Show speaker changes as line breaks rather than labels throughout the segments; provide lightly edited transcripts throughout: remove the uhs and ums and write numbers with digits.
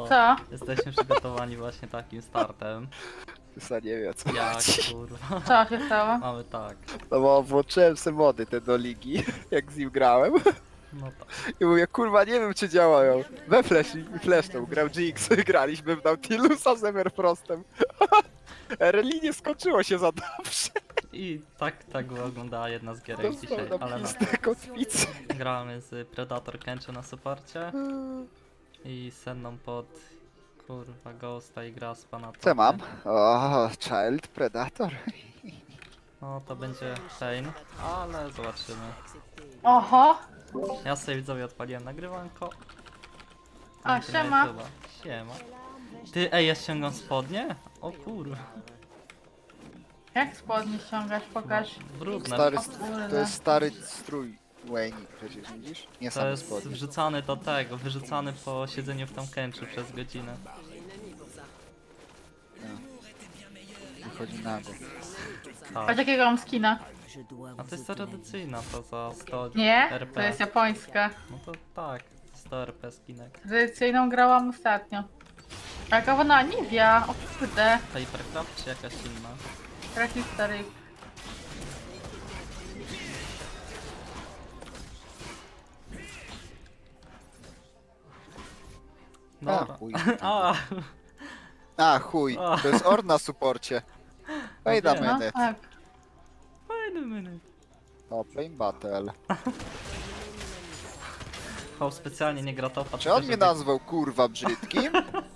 Co?
Jesteśmy przygotowani właśnie takim startem.
Tysa nie wie co
Jak
chodzi.
kurwa.
Co się stało?
Mamy tak.
No bo włączyłem se mody te do ligi, jak z nim grałem.
No tak.
I mówię, kurwa, nie wiem czy działają. We Flash i Flashną grał GX, graliśmy w Nautilusa z Everfrostem. RLI nie skończyło się za dobrze.
I tak wyglądała jedna z gierek dzisiaj,
Dostał
ale
na
no.
pistę kotwicy.
Gramy z Predator Kencho na suporcie i Senną pod kurwa Ghosta i Graspa na to.
Co mam? O, Child Predator.
No to będzie Pain, ale zobaczymy.
Oho!
Ja sobie widzowie odpaliłem nagrywanko.
A,
Link na
siema.
YouTube'a. Siema. Ty, ej, ja ściągam spodnie? O kurwa.
Jak spodnie ściągasz? Pokaż.
Brudne.
Stary,
O kurde.
to jest stary strój Wayne, przecież widzisz? Nie
To
same
jest
spodnie.
wrzucany do tego, wyrzucany po siedzeniu w tam kęczu przez godzinę.
Wychodzi nago.
Patrz
Tak.
jakiego mam skina.
A to jest tradycyjna, to za 100
Nie?
RP.
To jest japońska.
No to tak, 100 RP skinek.
Tradycyjną grałam ostatnio. Jaka ona Nivea, o kurde.
Hypercraft czy jakaś inna?
Taki stary.
A,
Dobra.
chuj.
A,
A, chuj. To jest Orn na suporcie. Wait a
wiem.
No
minute.
tak.
wait a minute.
Open battle.
Chał specjalnie nie gra topa.
Czy
tylko
on mnie
żeby-
nazwał kurwa brzydkim?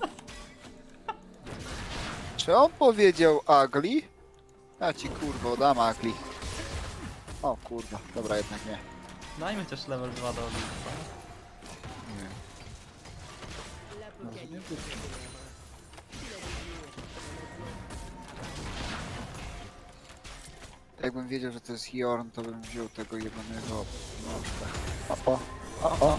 Czy on powiedział ugly? Ja ci kurwa dam ugly. O kurwa, dobra jednak nie.
Dajmy też level 2 do Olimpa.
Nie. Może nie być. Jakbym wiedział, że to jest Jorn, to bym wziął tego jebanego nożka. O.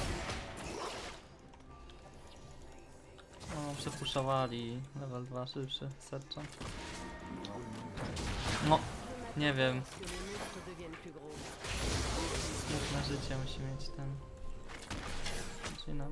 O, przepuszowali. Level 2 szybszy, serczą. No, nie wiem. Smutne życie musi mieć ten. Zaczynam.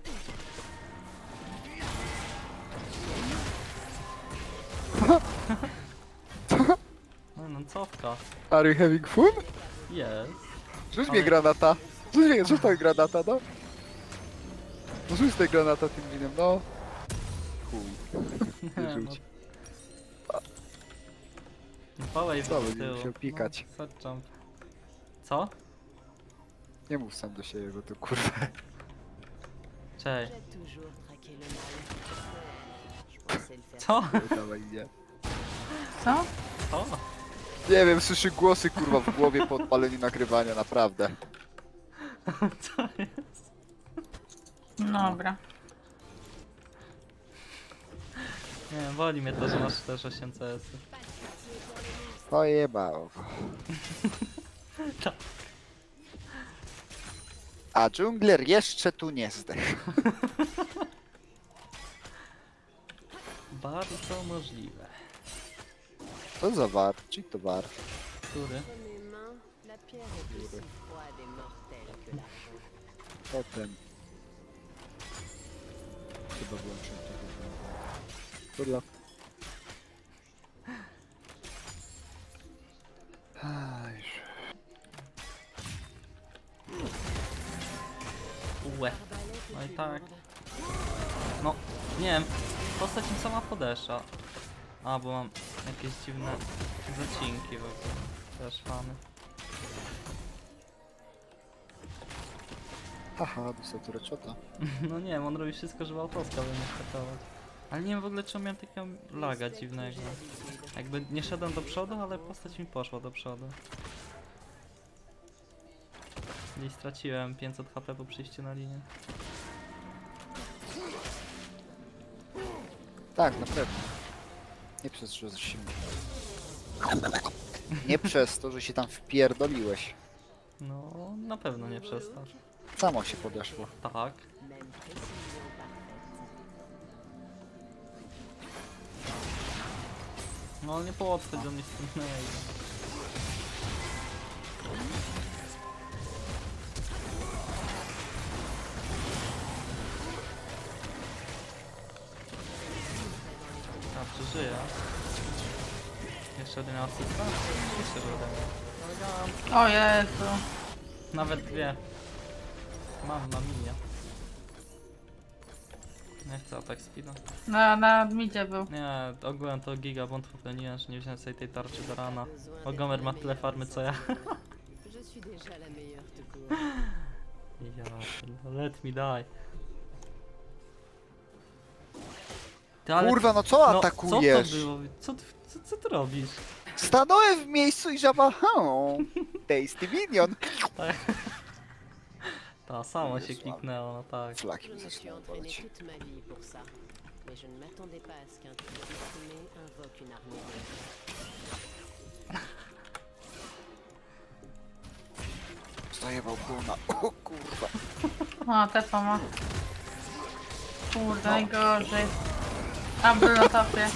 No, cofka.
Are you having fun?
Jest.
Rzuć
Ale-
mnie granata. Rzuć tą granata, no. No rzuć tej granata tym winem, no. Chuj. Nie
No,
rzuć.
Pałej
Co,
z
będzie
tyłu.
musiał pikać.
No, set jump. Co?
Nie mów sam do siebie, bo to kurwa.
Cześć.
J'ai toujours traqué le mal. Je pensais le faire.
Co?
Dawaj, nie.
Co?
Co?
Nie wiem, słyszy głosy kurwa w głowie po odpaleniu nagrywania, naprawdę.
Co jest?
Dobra.
Nie wiem, boli mnie to, że masz też 8 CS.
Pojebało go.
Tak.
A dżungler jeszcze tu nie zdechł.
Bardzo możliwe.
Co za war? Czy to war?
Który?
Entre mes mains, la pierre est aussi froide et mortelle que l'argent.
Potem. Chyba włączę tego. Kurwa. Już.
Łe. No i tak. No, nie wiem. Postać mi sama podesza. A, bo mam jakieś dziwne zacinki wokół. Też fany.
Haha, dostał tu reczota.
No nie wiem, on robi wszystko, żeby autoska by nie skatować. Ale nie wiem w ogóle czemu miałem takiego laga dziwnego. Jakby nie szedłem do przodu, ale postać mi poszła do przodu. Gdzieś straciłem 500 HP po przyjściu na linię.
Tak, na pewno. Nie przez to, że się... Nie przez to, że się tam wpierdoliłeś.
No, na pewno nie przez to.
Samo się podeszło.
Tak.
Même précision parfaite.
No nie podchodź do mnie z tym mailem. jeszcze żyje. Jeszcze jeden asysta? Oczywiście, że ode mnie. Elegancko.
O Jezu.
Nawet dwie. Mam na minie. Nie chcę atak speeda.
Na midzie był.
Nie, ogółem to giga błąd popełniłem, że nie wziąłem sobie tej tarczy do rana. Bo Gomer ma tyle farmy co ja.
Je suis déjà la meilleure tout court.
Ja, let me die. Ty, ale-
Kurwa, no co
no,
atakujesz?
Co to było? Co ty robisz?
Stanąłem w miejscu i żaba, tasty minion.
Ta samo się kliknęło, no tak.
Flaki
Je
mi
me suis
zaczynają
entraîné
boleć.
toute ma vie pour ça. Mais je ne m'attendais pas à ce qu'un type diplômé invoque une armée d'elfes.
Zajebał guna. O kurwa.
O, tepa ma. Kurde, najgorzej. A, był na topie.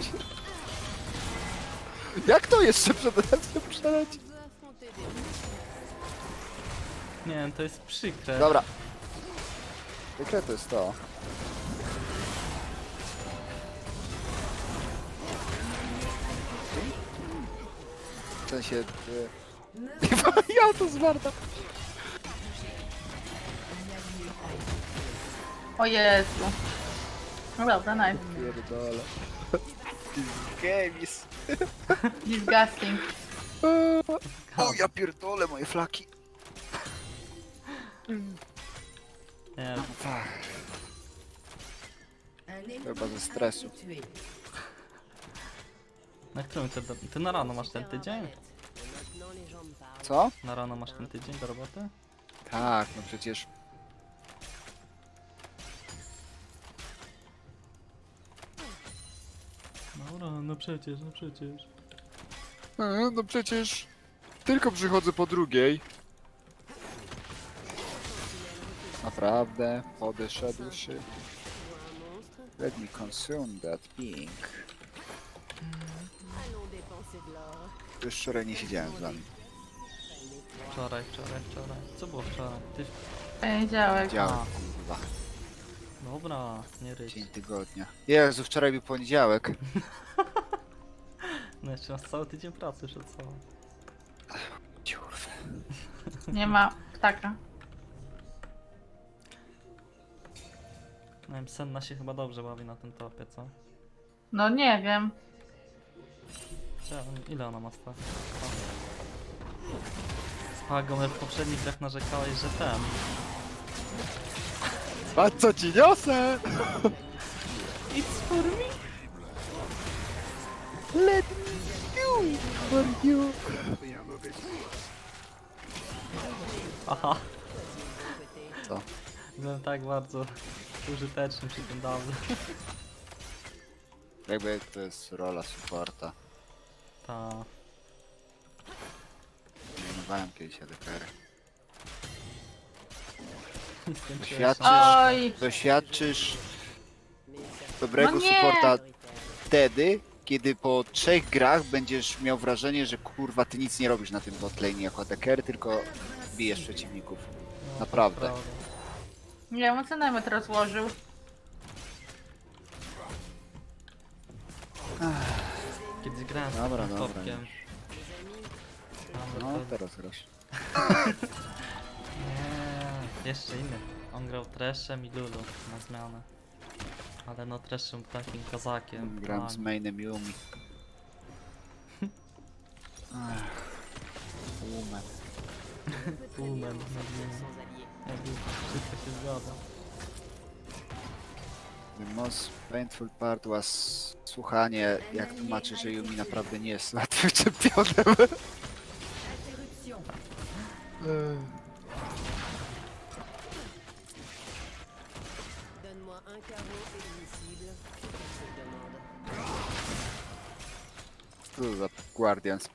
Jak to jeszcze przed razem przeleci?
On veut affronter des monstres.
Nie wiem, to jest przykre.
Dobra. Jakie to jest to? W sensie... Ja to zwarta.
O Jezu. No dobra, nice.
Pierdolę. Gamis.
Disgusting.
O ja pierdolę moje flaki.
Nie,
Chyba ze stresu.
na którym ty na rano masz ten tydzień?
Maintenant les gens me parlent.
Co?
Na rano masz ten tydzień do roboty?
Tak, no przecież...
Dobra, no przecież, no przecież.
No przecież... Tylko przychodzę po drugiej. Naprawdę, podeszedł się.
Tu vois un monstre?
Let me consume that pink.
Allons dépenser de l'or.
Już wczoraj nie siedziałem z wami.
Wczoraj. Co było wczoraj? Ty...
Poniedziałek.
Działem,
A.
kurwa.
Dobra, nie ryć.
Dzień tygodnia. Jezu, wczoraj był poniedziałek.
No jeszcze masz cały tydzień pracy przed sobą.
Kurwa.
Nie ma ptaka.
Nie wiem, Senna się chyba dobrze bawi na tym topie, co?
No nie wiem.
Ile ona ma stać? Spagomer w poprzednich grach narzekałeś, że ten.
A co ci niosę?
It's for me!
Let me do for you.
Aha,
Co?
byłem tak bardzo użyteczny przy tym dawno.
Jakby to jest rola supporta.
Ta.
Mianowałem kiedyś ADKR.
Skończyłem
Oj!
Doświadczysz dobrego
No nie!
supporta wtedy, kiedy po 3 grach będziesz miał wrażenie, że kurwa ty nic nie robisz na tym botlane jako ADKR, tylko bijesz przeciwników.
No,
Naprawdę.
to prawda.
Nie wiem, o co najmet rozłożył.
Kiedyś grałem z
Dobra,
takim
dobra,
topkiem.
No
Ale to...
teraz grasz.
Nie, jeszcze inny. On grał Treszem i Lulu na zmianę. Ale no Treszem był takim kozakiem.
Gram
tak.
z mainem Yumi. Ach, Woman.
Woman,
Sans alliés.
jakby wszystko się zgadza.
The most painful part was słuchanie, jak tłumaczy, że Yumi naprawdę nie jest łatwym czempionem.
Donne-moi un carreau et une cible. Je te demande.
Co to za Guardians?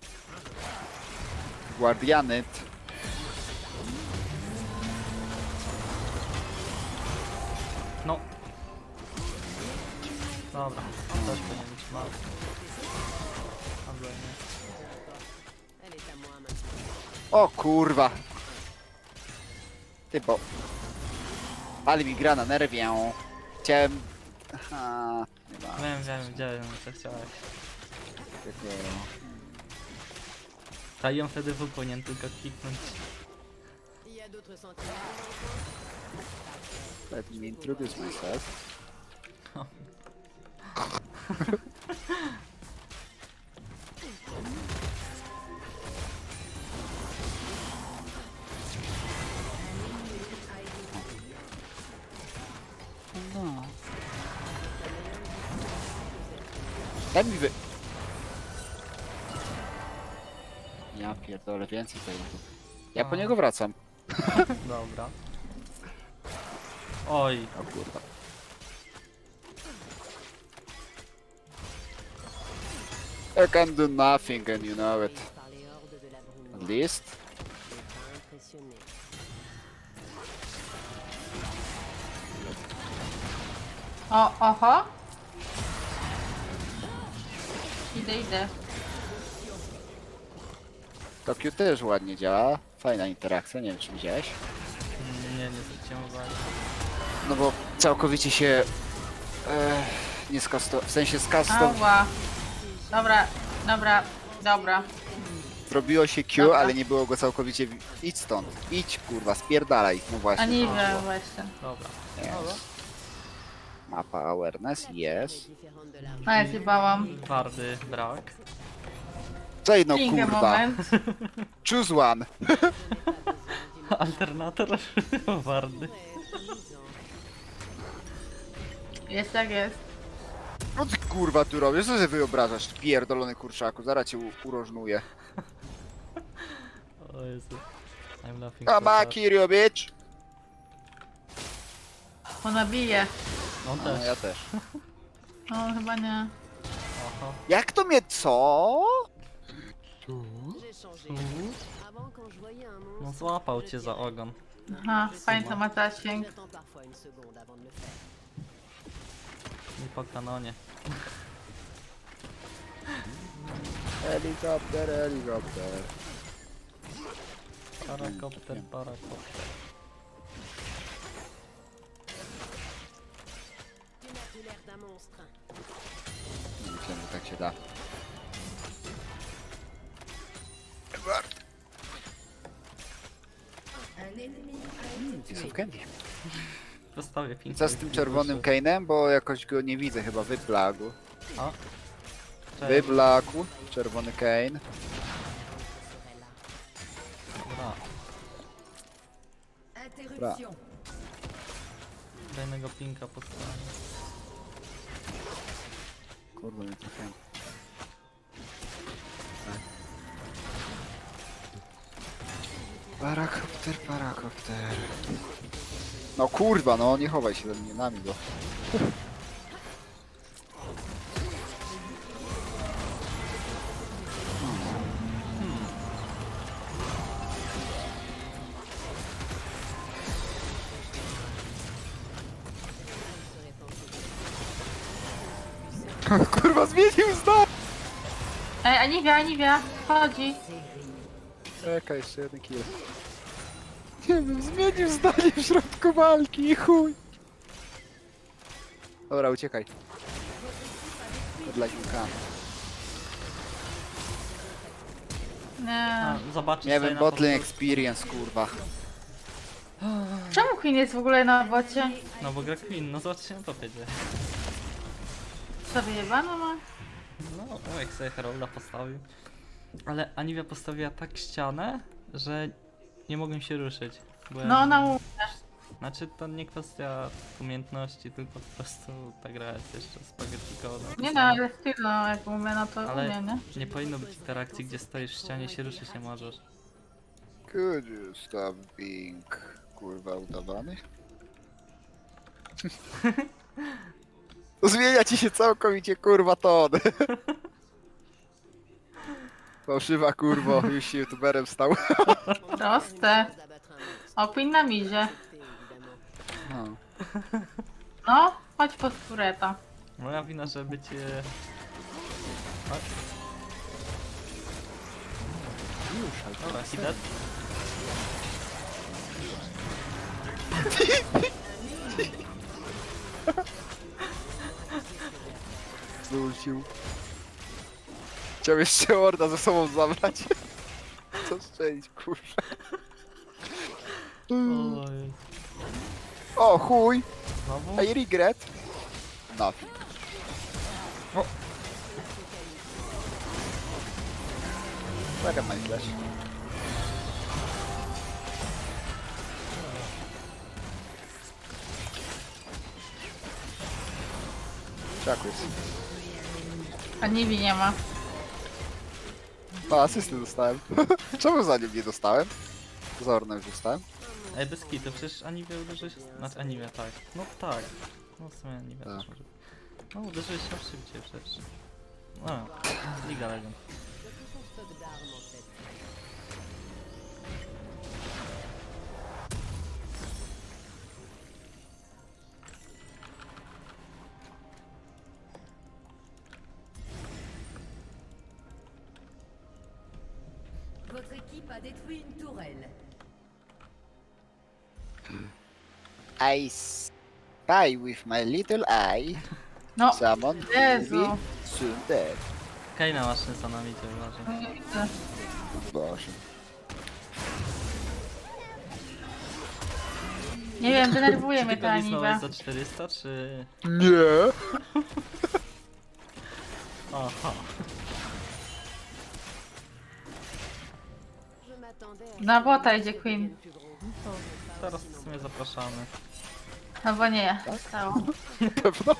Guardianet.
No. Dobra, on też powinien być mały. Albo nie.
Elle est à moi maintenant.
O kurwa. Ty bo. Ale mi gra na nerwię. Chciałem Aha, nie ma
Wiem, co chciałeś.
takiego.
A ją wtedy w powinien tylko kliknąć.
Il y a d'autres sentinelles dans le coin?
Let me introduce myself. No. Daj mi wy... Ja pierdolę, więcej tego. Ja po niego wracam.
Dobra. Oj,
O kurwa. I can do nothing and you know it.
Par les hordes de la brume
At
noire.
least.
Ne pas impressionné.
Oho. Idę.
Tokio też ładnie działa. Fajna interakcja, nie wiem czy widziałeś.
nie zwróciłem uwagi.
No bo całkowicie się... nie w sensie
Ała. Dobra.
zrobiło się Q,
Dobra.
ale nie było go całkowicie... Idź stąd. Idź kurwa, spierdalaj. No właśnie.
A nie wiem właśnie.
Dobra.
Yes. Mapa awareness, yes.
Différente de la
A ja się bałam.
Twardy brak.
Czej no
Chwilkę,
kurwa.
moment.
Choose one.
Alternator twardy.
Jest jak jest.
No ty kurwa tu robisz, co się wyobrażasz? Pierdolony kurczaku, zaraz cię urożnuję.
O Jezu. I'm laughing so
Come
hard.
on, Kirio, bitch!
Ona bije.
On
No,
też.
ja też.
No chyba nie.
Oho.
Jak to mnie co?
J'ai changé. Avant, quand je voyais un monstre,
No złapał cię za ogon.
Aha, fajnie to ma zasięg.
j'attends parfois une seconde avant de le faire.
I po kanonie.
Helikopter, helikopter.
Parakopter.
Tu n'as plus l'air d'un monstre.
Nie myślałem, że tak się da. Piece of candy.
Postawię
I
pink.
co z tym czerwonym Kane'em? Bo jakoś go nie widzę chyba, wyblagł.
O. Cześć.
Wyblakł, czerwony Kane.
Ce serait là.
Dobra.
Bra.
Kolejnego pinka postawię.
Kurwa, nie trafiłem. Parakopter. No kurwa, no nie chowaj się ze mnie, nami go. Kurwa, zmienił zdanie!
Ej, Aniwia, chodzi.
Czekaj, jeszcze jeden kill. Nie wiem, zmienił zdanie w środku walki i chuj. Dobra, uciekaj. Dla Juka.
Nie.
Zobaczysz
Nie
sobie
wiem,
na
botlane
powtórce.
experience, kurwa.
Czemu Queen jest w ogóle na bocie?
No bo gra Queen, no zobaczcie na topie gdzie.
Sobie jebano ma?
No, jak sobie Herolda postawił. Ale Aniwia postawiła tak ścianę, że nie mogłem się ruszyć. Byłem...
No ona mu...
Znaczy to nie kwestia umiejętności, tylko po prostu ta gra jest jeszcze spaghetti code.
Nie no, ale styl, no jak umie, no to
Ale
umie, nie?
nie powinno być interakcji, gdzie stoisz w ścianie i się ruszyć nie możesz.
Could you stop being, kurwa, udawany? Zmienia ci się całkowicie, kurwa, ton. Fałszywa, kurwo, już się youtuberem stał.
Proste.
D'abattre un monstre.
O, Queen na mizie.
Évidemment.
No.
No, chodź pod tureta.
Moja wina, żeby cię... Chodź. Dobra, hidet.
Wrócił. Chciał jeszcze Orda ze sobą zabrać. Co strzelić, kurwa.
O, jest.
O chuj!
Znowu?
I regret. Nothing.
O.
Taka my flash. Czaku jest.
A Nibi nie ma.
O, asysty dostałem. Czemu za nim nie dostałem? Za Orna już dostałem.
Ej, bez kitu, przecież Anivia uderzyłeś... Znaczy Anivia, tak. No tak. No w sumie Anivia
Tak.
też może. No uderzyłeś się szybciej przecież. No, Liga Legend.
De tout son stock d'armes, en fait.
Votre équipe a détruit une tourelle.
I spy with my little eye.
No,
Someone
Jezu.
will be soon dead.
Kaina masz szynsa na micie, uważaj.
nie widzę.
Boże.
Nie wiem, denerwuje
Czy
mnie
ty
ta
go lisnąłeś
Aniwa.
za 400, czy...
Nie.
Aha.
Je m'attendais à
Na
ce
bota
que
idzie
le
Queen.
devienne plus gros.
Teraz w sumie zapraszamy.
Albo nie, stało.
Na pewno.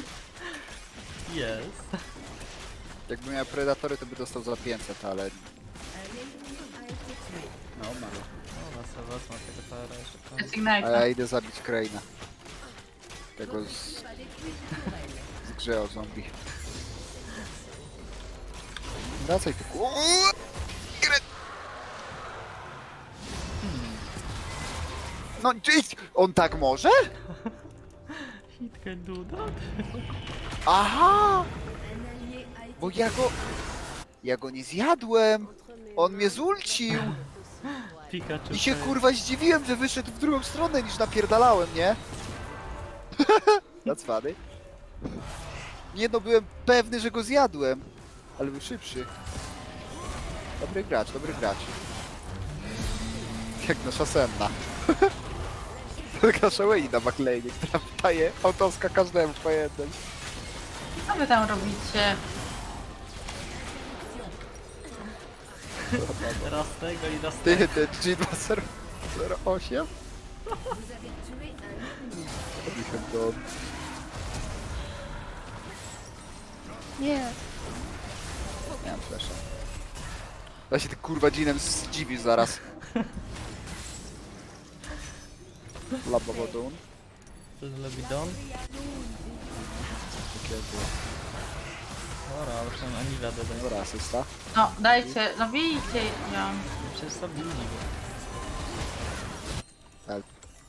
Jest.
Jakby miał predatory, to by dostał za 500, ale...
Un ennemi a été tué.
No, mało.
Dobra, sobie wezmę tego TR jeszcze.
A
Ignite.
ja idę zabić Kraina. Tego z
A détruit une tourelle.
grze o zombie. Wracaj tu. No, cześć! On tak może?
Hit can do that.
Aha!
Un allié a été
Bo ja go nie zjadłem!
Entre mes
On
mains,
mnie zulcił!
Pikachu.
I się
fail.
kurwa zdziwiłem, że wyszedł w drugą stronę niż napierdalałem, nie? That's funny. Nie no, byłem pewny, że go zjadłem. Ale był szybszy. Dobry gracz, dobry gracz. Jak nasza senna. Nasza Wayne na backlane, która daje autoska każdemu po jednym.
Co wy tam robicie?
Raz tego i raz
Ty,
tego.
ten G208?
Vous avez tué un ennemi.
Nie mam flasha. Ja się ty kurwa Jeanem zdziwisz zaraz. Lababodun.
Lebidon. Dobra, ale przynajmniej Anivia dodaje.
Dobra, asysta.
No, dajcie, no bijcie ją.
Przecież zabili go.
Help.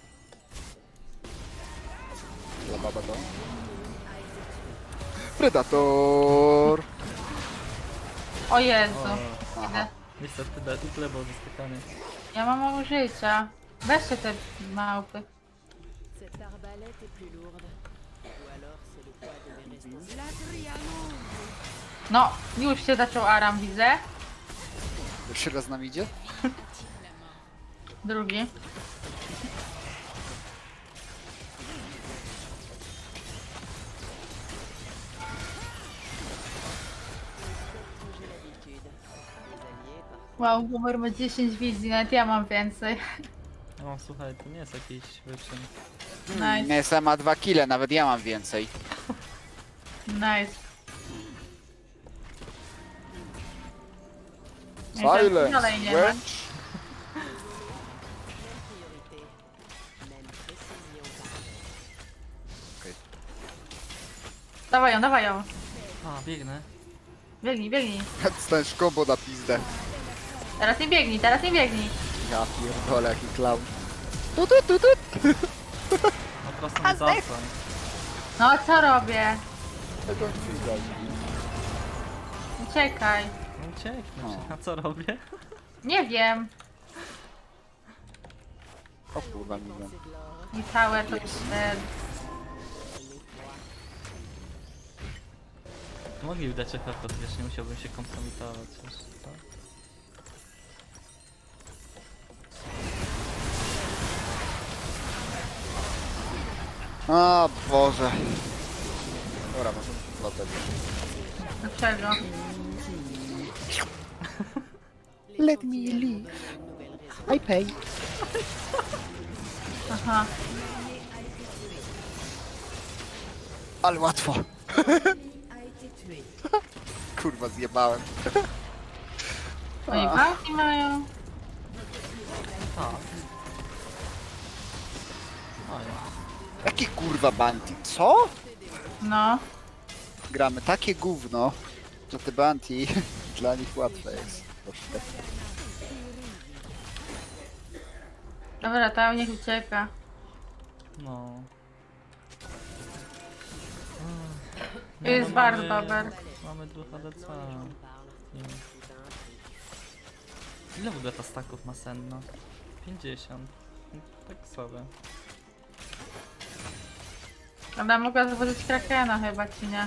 Lababodun. Predator!
O Jezu.
O,
Idę.
niestety tyle było zaskakanie.
Ja mam mało życia. Weźcie te małpy.
Cette arbalète est plus lourde. Ou alors c'est le poids de mes responsabilités.
No, już się zaczął Aram, widzę.
Jeszcze raz nam idzie?
Drugi.
J'ai l'habitude. Les alliés, parfois.
Wow, Boomer ma 10 wizji, nawet ja mam więcej.
No słuchaj, to nie jest jakiś wyczyn.
Nice,
Nesa ma 2 kile, nawet ja mam więcej.
nice. I tam
Silence!
dalej nie ma.
Wench!
Priorité. Même précision par
Dawaj ją, dawaj ją.
A, biegnę.
Biegnij, biegnij.
Staniesz kombo na pizdę.
Teraz nie biegnij, teraz nie biegnij.
Ja pierdolę, jaki clown.
No prosto mnie zasłań.
No, co robię? Uciekaj.
No ucieknę,
O.
a co robię?
Nie wiem.
O kurwa, milion.
c'est de l'or.
I całe to te...
Mogli dać FF, to wiesz, nie musiałbym się kompromitować już, tak?
O Boże. Dobra, może latać.
Dlaczego?
Let me leave. I pay.
Aha.
Ale łatwo.
A été tué.
Kurwa, zjebałem.
Oni walki mają.
Tak. O ja.
Jakie kurwa bounty? Co?
No.
Gramy takie gówno, że te bounty dla nich łatwe jest. Proszę.
Dobra, tam niech ucieka.
No.
Jest
no,
bardzo
mamy-
dober.
Mamy 2 HDC.
Parle.
Nie.
Tout un prix.
Ile w ogóle ta staków ma senna? 50. Tak sobie.
Ona mogła złożyć Krakena chyba, czy nie?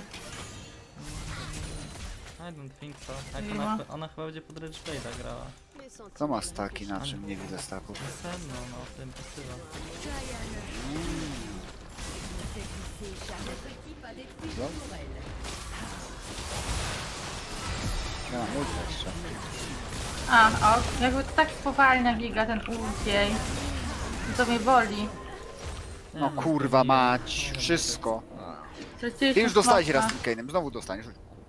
I don't think so. Jak
Nie
ona,
ma.
ona chyba będzie pod Rage Blade'a grała.
Mes sentiments
Co ma staki, na czym nie widzę staków?
Senno, no, w tym pasywa.
Votre équipe a détruit
Bon.
une tourelle.
Ja mam ulta jeszcze.
A, o, jakby to tak spowalnia giga ten ult jej. To mnie boli.
No kurwa mać, wszystko.
Straciłeś
Ty już dostałeś
smoka.
raz tym Kane'em, znowu dostaniesz.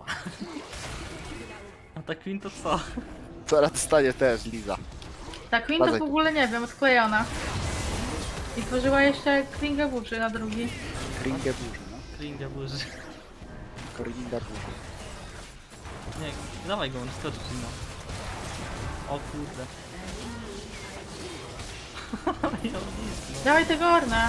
A ta Queen to co?
Zaraz dostanie też Liza.
Ta Queen to
Bazaj
w
tu.
ogóle nie wiem, odklejona. I tworzyła jeszcze Klingę burzy na drugi.
Kringę burzy, no.
Kringa burzy.
Kringa burzy.
Nie, dawaj go, on skoczy no. O kurde. Ja nic,
Dawaj tego Orna.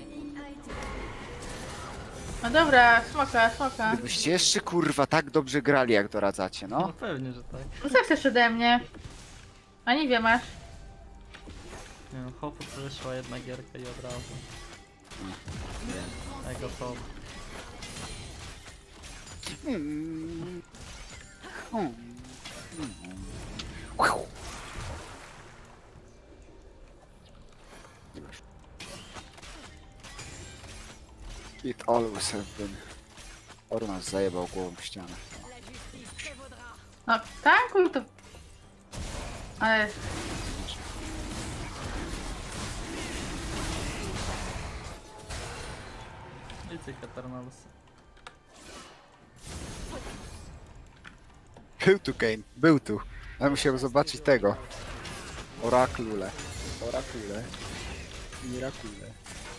No dobra, smoka.
Gdybyście jeszcze kurwa tak dobrze grali jak doradzacie,
no. No
no.
pewnie, że tak.
No co chcesz ode mnie? A nie wiem, masz.
Nie wiem, Hopu wyszła jedna gierka i od razu. Ego top.
Mm. Mm. It always have been. Ornas zajebał głową w ścianę.
No, tankuj to. Ale
I ty Eternals.
Był tu Kane, był tu. Ale musiałem zobaczyć tego. Oraklule. Orakule. Mirakule.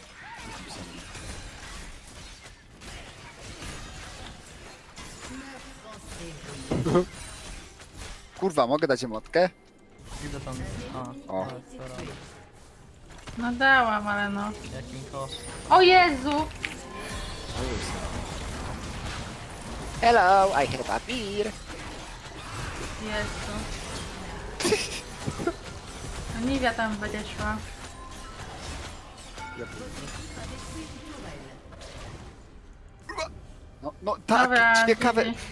Kurwa, mogę dać emotkę?
Idę tam. A,
O.
ale co robię?
no dałam, ale no.
Jakim kosztem?
O Jezu!
Hello, I have a beer.
Jezu. No Nivea tam będzie szła.
No, no tak,
Dobra,
ciekawe.
GG.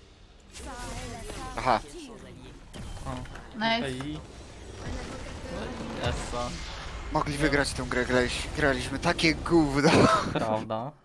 Aha,
O,
Nice.
i... Essa.
mogli wygrać tę grę, graliśmy takie gówno.
Prawda.